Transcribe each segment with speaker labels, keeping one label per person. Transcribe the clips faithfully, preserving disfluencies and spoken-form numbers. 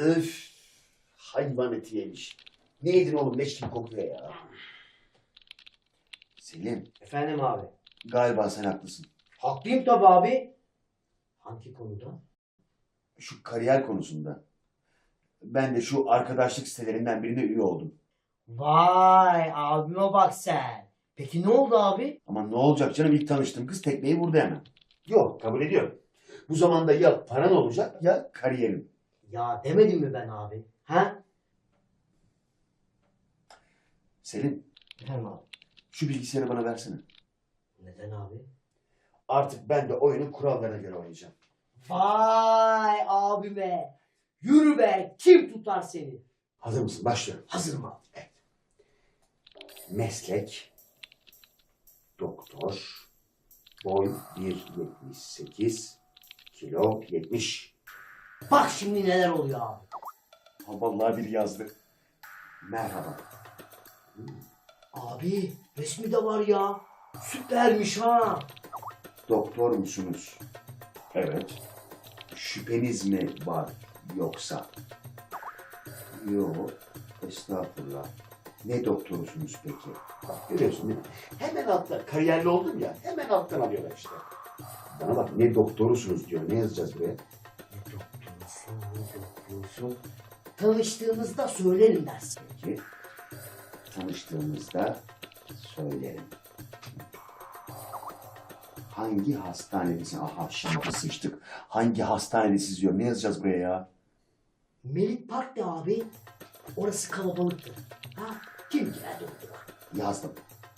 Speaker 1: Öf. Hayvan eti yemiş. Ne yedin oğlum? Leş gibi kokuyor ya. Selim,
Speaker 2: Efendim abi.
Speaker 1: galiba sen haklısın.
Speaker 2: Haklıyım tabii abi. Hangi konuda?
Speaker 1: Şu kariyer konusunda. Ben de şu arkadaşlık sitelerinden birine üye oldum.
Speaker 2: Vay abime bak sen. Peki ne oldu abi?
Speaker 1: Ama ne olacak canım, ilk tanıştığım kız tekmeyi vurdu hemen. Yok, kabul ediyorum. Bu zamanda ya paran olacak ya kariyerin.
Speaker 2: Ya demedim mi ben abi? Ha?
Speaker 1: Selim,
Speaker 2: Efendim abi.
Speaker 1: şu bilgisayarı bana versene.
Speaker 2: Neden abi?
Speaker 1: Artık ben de oyunun kurallarına göre oynayacağım.
Speaker 2: Vay abime. Yürü be. Kim tutar seni?
Speaker 1: Hazır mısın? Başlıyorum.
Speaker 2: Hazırım abi.
Speaker 1: Evet. Meslek, doktor, boy bir yetmiş sekiz, kilo yetmiş.
Speaker 2: Bak şimdi neler oluyor abi.
Speaker 1: Ha, vallahi biri yazdı. Merhaba.
Speaker 2: Abi resmi de var ya. Süpermiş ha.
Speaker 1: Doktor musunuz? Evet. Şüpheniz mi var yoksa? Yok. Estağfurullah. Ne doktorusunuz peki? Bak görüyorsun değil mi? Hemen altta, kariyerli oldum ya, hemen alttan alıyorlar işte. Bana bak, ne doktorusunuz diyor. Ne yazacağız buraya?
Speaker 2: Ne doktorsun, ne doktorsun. Tanıştığımızda söylerim dersin.
Speaker 1: Peki. Tanıştığımızda söylerim. Hangi hastanedesin? Aha şimdi sıçtık. Hangi hastanedesiz diyor. Ne yazacağız buraya ya?
Speaker 2: Melik Park de abi. Orası kalabalıktır. Ha? Kim girer doktora?
Speaker 1: Yazdım.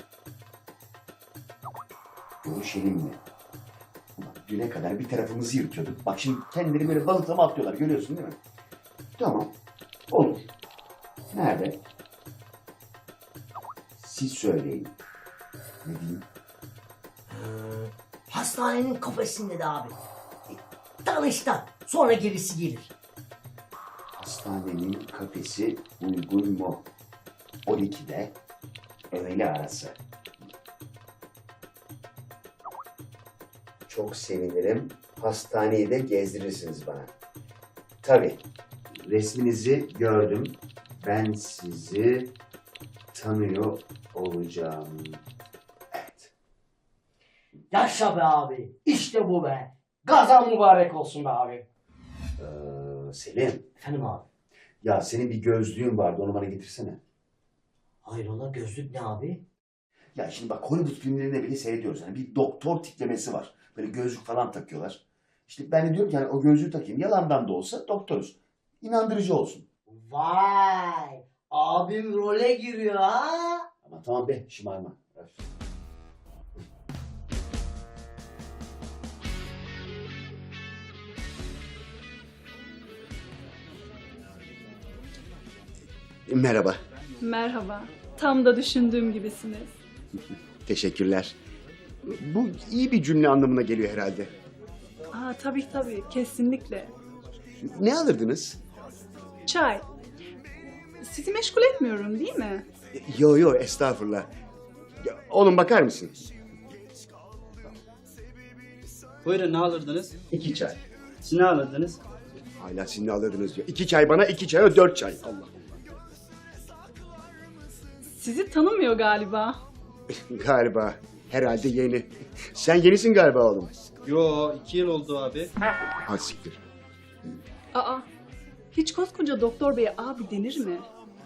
Speaker 1: Görüşelim mi? Ulan düne kadar bir tarafımızı yırtıyorduk. Bak şimdi kendileri böyle balıklama atlıyorlar. Görüyorsun değil mi? Tamam. Olur. Nerede? Siz söyleyin. Ne diyeyim?
Speaker 2: Hastanenin kafesinde de abi. E, Tanıştan. Sonra gerisi gelir.
Speaker 1: Hastanenin kafesi uygun mu? on ikide öğle arası. Çok sevinirim. Hastaneyi de gezdirirsiniz bana. Tabii. Resminizi gördüm. Ben sizi tanıyor olacağım. Evet.
Speaker 2: Yaşa be abi. İşte bu be. Gazan mübarek olsun be abi.
Speaker 1: Ee, Selim.
Speaker 2: Efendim abi.
Speaker 1: Ya senin bir gözlüğün vardı. Onu bana getirsene.
Speaker 2: Hayrola gözlük ne abi?
Speaker 1: Ya şimdi bak, Hollywood filmlerinde bile seyrediyoruz. Yani bir doktor tiplemesi var. Böyle gözlük falan takıyorlar. İşte ben de diyorum ki yani o gözlüğü takayım. Yalandan da olsa doktoruz. İnandırıcı olsun.
Speaker 2: Vay. Abim role giriyor ha.
Speaker 1: Ama tamam be, şımarma. Öf. Merhaba.
Speaker 3: Merhaba. Tam da düşündüğüm gibisiniz.
Speaker 1: Teşekkürler. Bu iyi bir cümle anlamına geliyor herhalde.
Speaker 3: Aa, tabii tabii, kesinlikle.
Speaker 1: Ne alırdınız?
Speaker 3: Çay. Sizi meşgul etmiyorum değil mi?
Speaker 1: Yo yo, estağfurullah. Ya, oğlum bakar mısın?
Speaker 4: Buyurun, ne alırdınız?
Speaker 1: İki çay.
Speaker 4: Siz ne alırdınız?
Speaker 1: Hala siz ne alırdınız diyor. İki çay bana, iki çaya dört çay. Allah.
Speaker 3: Sizi tanımıyor galiba.
Speaker 1: Galiba. Herhalde yeni. Sen yenisin galiba oğlum.
Speaker 4: Yo, iki yıl oldu abi.
Speaker 1: Ha siktir.
Speaker 3: Aa, hiç koskoca doktor beye abi denir mi?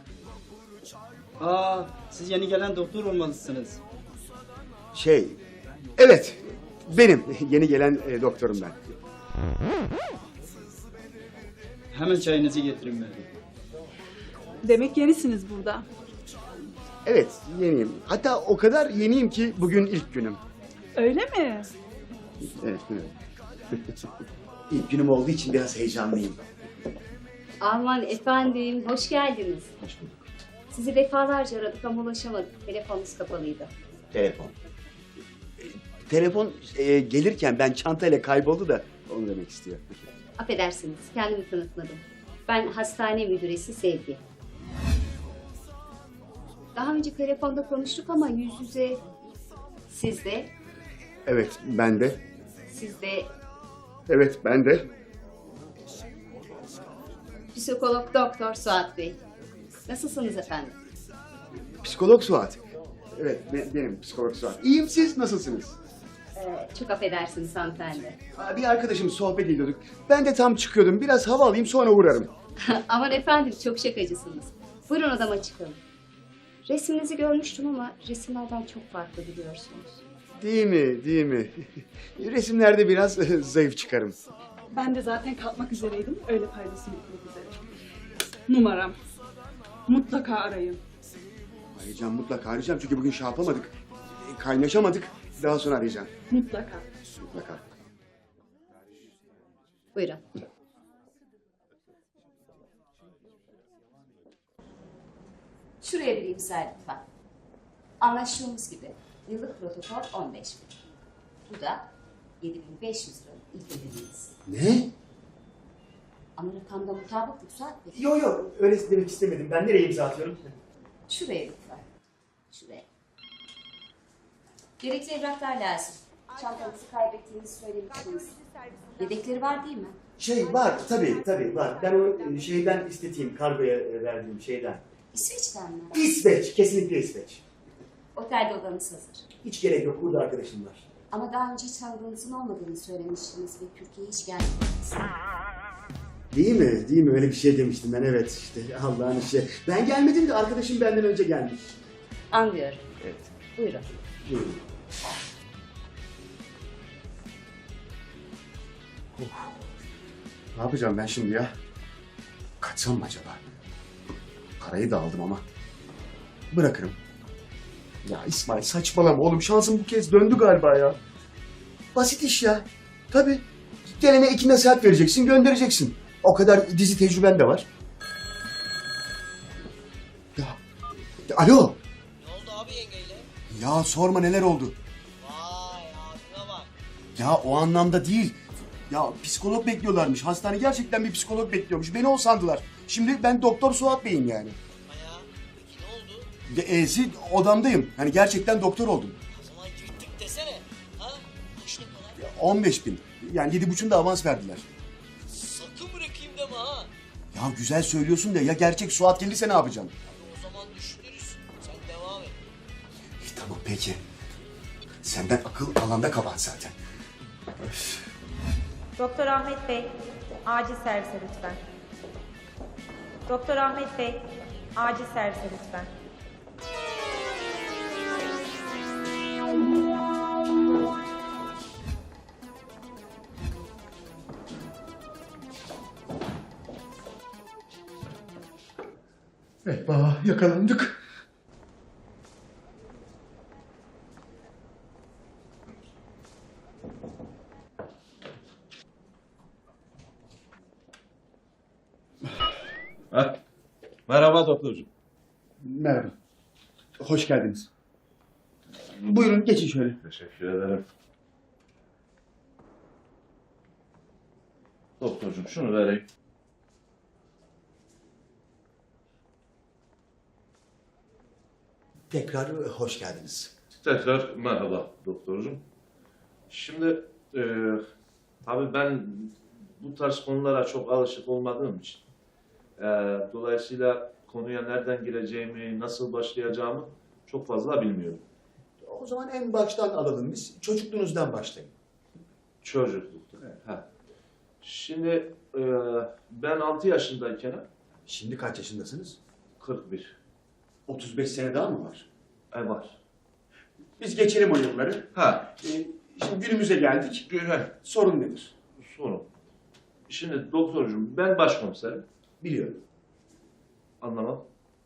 Speaker 4: Aa, siz yeni gelen doktor olmalısınız.
Speaker 1: Şey, evet. Benim. Yeni gelen e, doktorum ben.
Speaker 4: Hemen çayınızı getirin ben.
Speaker 3: Demek yenisiniz burada.
Speaker 1: Evet, yeniyim. Hatta o kadar yeniyim ki bugün ilk günüm.
Speaker 3: Öyle mi?
Speaker 1: Evet, evet. İlk günüm olduğu için biraz heyecanlıyım.
Speaker 5: Aman efendim, hoş geldiniz.
Speaker 1: Hoş bulduk.
Speaker 5: Sizi defalarca aradık ama ulaşamadık. Telefonunuz kapalıydı.
Speaker 1: Telefon. E, Telefon e, gelirken ben çantayla kayboldu da onu demek istiyor.
Speaker 5: Affedersiniz, kendimi tanıtmadım. Ben hastane müdüresi Sevgi. Daha önce telefonda konuştuk ama yüz yüze siz de,
Speaker 1: Evet, ben de.
Speaker 5: siz de
Speaker 1: Evet, ben de.
Speaker 5: Psikolog Doktor Suat Bey. Nasılsınız efendim?
Speaker 1: Psikolog Suat. Evet, be- benim psikolog Suat. İyiyim, siz nasılsınız?
Speaker 5: Ee, çok affedersiniz hanımefendi.
Speaker 1: Aa, Bir arkadaşım sohbet ediyorduk. Ben de tam çıkıyordum. Biraz hava alayım sonra uğrarım.
Speaker 5: Aman efendim çok şakacısınız. Buyurun odama çıkalım. Resiminizi görmüştüm ama resimlerden çok farklı biliyorsunuz.
Speaker 1: Değil mi, değil mi? Resimlerde biraz zayıf çıkarım.
Speaker 3: Ben de zaten kalkmak üzereydim. Öyle paylaşım etmek üzere. Numaram. Mutlaka arayın.
Speaker 1: Arayacağım, mutlaka arayacağım. Çünkü bugün şey yapamadık. E, Kaynaşamadık. Daha sonra arayacağım.
Speaker 3: Mutlaka.
Speaker 1: Mutlaka.
Speaker 5: Buyurun. Şuraya bir imza lütfen. Anlaştığımız gibi yıllık protokol on beş bin. Bu da yedi bin beş yüz lira ilk ödemeniz.
Speaker 1: Ne?
Speaker 5: Ama rakamda mutabıklık Suat Bey.
Speaker 2: Yok yok öyle demek istemedim. Ben nereye imza atıyorum?
Speaker 5: Şuraya lütfen. Şuraya. Gerekli evraklar lazım. Çantanızı kaybettiğinizi söylemiştiniz. Yedekleri var değil mi?
Speaker 2: Şey var tabii tabii var. Ben o e, şeyden isteteyim kargoya e, verdiğim şeyden.
Speaker 5: İsveç'ten mi?
Speaker 2: İsveç, kesinlikle İsveç.
Speaker 5: Otelde odanız hazır.
Speaker 2: Hiç gerek yok, burada arkadaşım var.
Speaker 5: Ama daha önce hiç tanıdığınızın olmadığını söylemiştiniz ve Türkiye'ye hiç gelmediniz.
Speaker 2: Değil mi? Değil mi? Öyle bir şey demiştim ben, evet işte Allah'ın işi. Ben gelmedim de arkadaşım benden önce gelmiş.
Speaker 5: Anlıyorum.
Speaker 2: Evet.
Speaker 5: Buyurun.
Speaker 2: Buyurun.
Speaker 1: Ne yapacağım ben şimdi ya? Kaçsam mı acaba? Parayı da aldım ama. Bırakırım. Ya İsmail saçmalama oğlum. Şansım bu kez döndü galiba ya. Basit iş ya. Tabii. Gelene iki nasihat vereceksin, göndereceksin. O kadar dizi tecrüben de var. Ya. ya alo.
Speaker 6: Ne oldu abi yengeyle?
Speaker 1: Ya sorma neler oldu.
Speaker 6: Vay abime bak.
Speaker 1: Ya o anlamda değil. Ya psikolog bekliyorlarmış. Hastane gerçekten bir psikolog bekliyormuş. Beni o sandılar. Şimdi ben Doktor Suat Bey'im yani.
Speaker 6: Baya. Peki ne oldu?
Speaker 1: Ya, E'si odamdayım. Hani gerçekten doktor oldum.
Speaker 6: O zaman yırttık desene. Ha? Kaç ne kadar?
Speaker 1: Ya, on beş bin. Yani yedi buçuğunu da avans verdiler.
Speaker 6: Sakın bırakayım deme ha.
Speaker 1: Ya güzel söylüyorsun da ya gerçek Suat gelirse ne yapacaksın?
Speaker 6: Hadi o zaman düşünürüz. Sen devam et.
Speaker 1: İyi, tamam peki. Senden akıl alanda kabahat zaten. Öf.
Speaker 7: Doktor Ahmet Bey, acil servise lütfen. Doktor Ahmet Bey, acil servise lütfen.
Speaker 1: Eyvah yakalandık.
Speaker 8: Heh. Merhaba doktorcuğum.
Speaker 1: Merhaba. Hoş geldiniz. Buyurun geçin şöyle.
Speaker 8: Teşekkür ederim. Doktorcuğum şunu vereyim.
Speaker 1: Tekrar hoş geldiniz.
Speaker 8: Tekrar merhaba doktorcuğum. Şimdi e, tabii ben bu tarz konulara çok alışık olmadığım için e, dolayısıyla konuya nereden gireceğimi, nasıl başlayacağımı çok fazla bilmiyorum.
Speaker 1: O zaman en baştan alalım biz. Çocukluğunuzdan başlayın.
Speaker 8: Çocuklukta. Ha. Şimdi e, ben altı yaşındayken
Speaker 1: Şimdi kaç yaşındasınız?
Speaker 8: kırk bir
Speaker 1: otuz beş sene daha mı var?
Speaker 8: ay var.
Speaker 1: Biz geçelim o yılları.
Speaker 8: Ha,
Speaker 1: Ee, şimdi günümüze geldik.
Speaker 8: güzel.
Speaker 1: Sorun nedir?
Speaker 8: Sorun. Şimdi doktorcuğum ben başkomiserim.
Speaker 1: Biliyorum.
Speaker 8: Anlamam.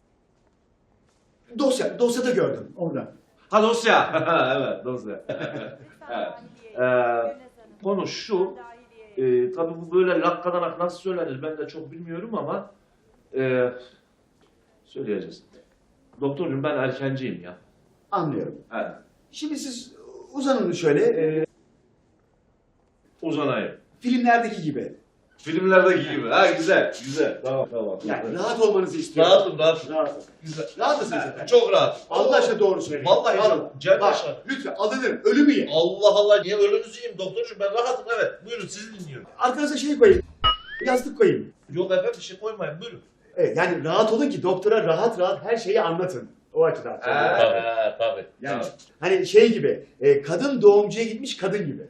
Speaker 1: Dosya, dosyada gördüm. Orada.
Speaker 8: Ha dosya. Evet dosya. Evet. Ee, konu şu. E, tabii bu böyle lakkadanak nasıl söylenir ben de çok bilmiyorum ama e, söyleyeceğiz. Doktorcuğum ben erkenciyim ya.
Speaker 1: Anlıyorum.
Speaker 8: Evet.
Speaker 1: Şimdi siz uzanın şöyle. e,
Speaker 8: Uzanayım.
Speaker 1: filmlerdeki gibi.
Speaker 8: Filmlerdeki gibi. Ha güzel. Güzel. Tamam tamam.
Speaker 1: Yani rahat olmanızı istiyorum.
Speaker 8: Rahatım rahatım.
Speaker 1: Rahat.
Speaker 8: Güzel.
Speaker 1: Rahat mısınız efendim?
Speaker 8: Çok rahat.
Speaker 1: Allah aşkına doğru söyleyin.
Speaker 8: Vallahi
Speaker 1: Alın.
Speaker 8: canım, Cem
Speaker 1: Bak,
Speaker 8: Paşa.
Speaker 1: lütfen alınırım. Ölümü ye.
Speaker 8: Allah Allah niye ölünüzü yiyeyim doktorcuğum ben rahatım evet. Buyurun sizi dinliyorum.
Speaker 1: Arkanıza şey koyayım. Yastık koyayım.
Speaker 8: Yok efendim bir şey koymayın buyurun.
Speaker 2: Evet, yani rahat olun ki doktora rahat rahat her şeyi anlatın. O açıdan.
Speaker 8: Tabii tabii.
Speaker 2: Yani hani şey gibi, e, kadın doğumcuya gitmiş kadın gibi.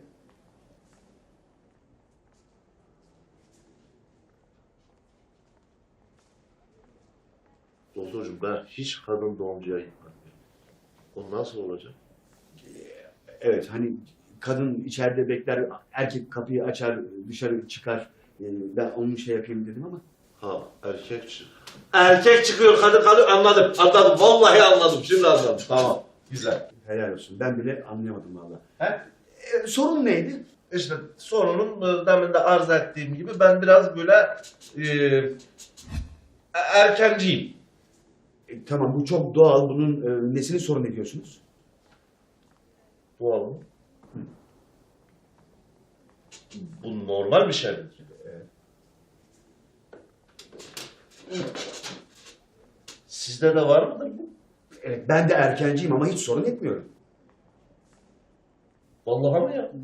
Speaker 8: Doktorcuğum ben hiç kadın doğumcuya gitmedim. O nasıl olacak?
Speaker 2: Evet, hani kadın içeride bekler, erkek kapıyı açar, dışarı çıkar. E, ben onun şey yapayım dedim ama.
Speaker 8: Ha erkek çık. Erkek çıkıyor kadın kalıyor anladım anladım vallahi anladım şimdi anladım tamam güzel.
Speaker 2: Helal olsun. Ben bile anlayamadım valla.
Speaker 8: He?
Speaker 2: E, sorun neydi?
Speaker 8: İşte sorunun e, demin de arz ettiğim gibi ben biraz böyle e, erkenciyim.
Speaker 2: E, tamam, bu çok doğal. Bunun e, nesini sorun ediyorsunuz?
Speaker 8: Doğal mı? Bu normal bir şey mi? Sizde de var mıdır bu?
Speaker 2: Evet, ben de erkenciyim ama hiç sorun etmiyorum.
Speaker 8: Vallahi mı ya?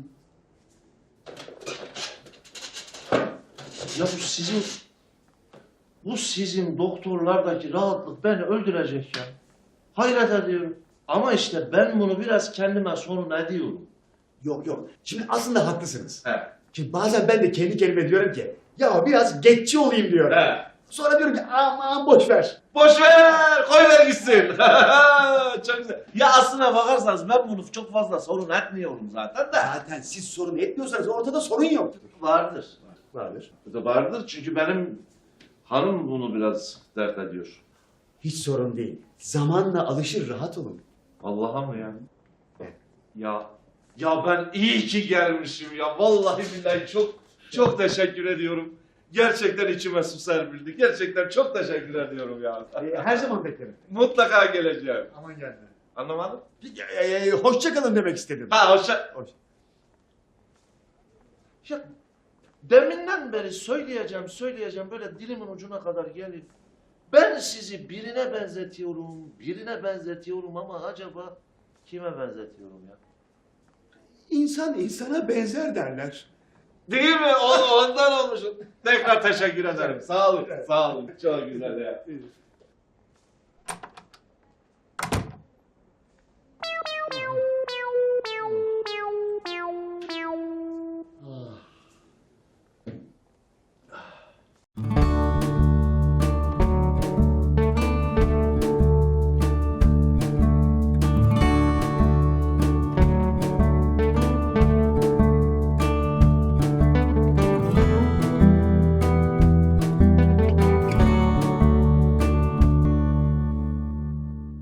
Speaker 8: Ya bu sizin bu sizin doktorlardaki rahatlık beni öldürecek ya. Hayret ediyorum. Ama işte ben bunu biraz kendime sorun ediyorum.
Speaker 2: Yok yok. Şimdi aslında haklısınız.
Speaker 8: He.
Speaker 2: Şimdi bazen ben de kendi kendime diyorum ki ya biraz getçi olayım diyorum.
Speaker 8: He.
Speaker 2: Sonra diyorum ki aman boş ver.
Speaker 8: Boş ver, koy ver gitsin. Çok güzel. Ya aslına bakarsanız ben bunu çok fazla sorun etmiyorum zaten de.
Speaker 2: Zaten siz sorun etmiyorsanız ortada sorun yok.
Speaker 8: Vardır.
Speaker 2: Vardır.
Speaker 8: Bu da vardır çünkü benim hanım bunu biraz dert ediyor.
Speaker 2: Hiç sorun değil. Zamanla alışır, rahat olun.
Speaker 8: Allah'a mı ya?
Speaker 2: Evet.
Speaker 8: Ya ya ben iyi ki gelmişim ya. Vallahi billahi çok çok teşekkür ediyorum. Gerçekten içime su serpildi. Gerçekten çok teşekkür ediyorum ya.
Speaker 2: Ee, her zaman beklerim.
Speaker 8: Mutlaka geleceğim.
Speaker 2: Aman gelme.
Speaker 8: Anlamadın?
Speaker 2: Ee, hoşça kalın demek istedim.
Speaker 8: Ha hoşça.
Speaker 2: Hoş.
Speaker 8: Ya deminden beri söyleyeceğim, söyleyeceğim böyle dilimin ucuna kadar gelip ben sizi birine benzetiyorum, birine benzetiyorum ama acaba kime benzetiyorum ya?
Speaker 2: İnsan insana benzer derler.
Speaker 8: Değil mi? O, ondan olmuşum. Tekrar teşekkür ederim. Sağ olun, sağ olun. Çok güzel ya.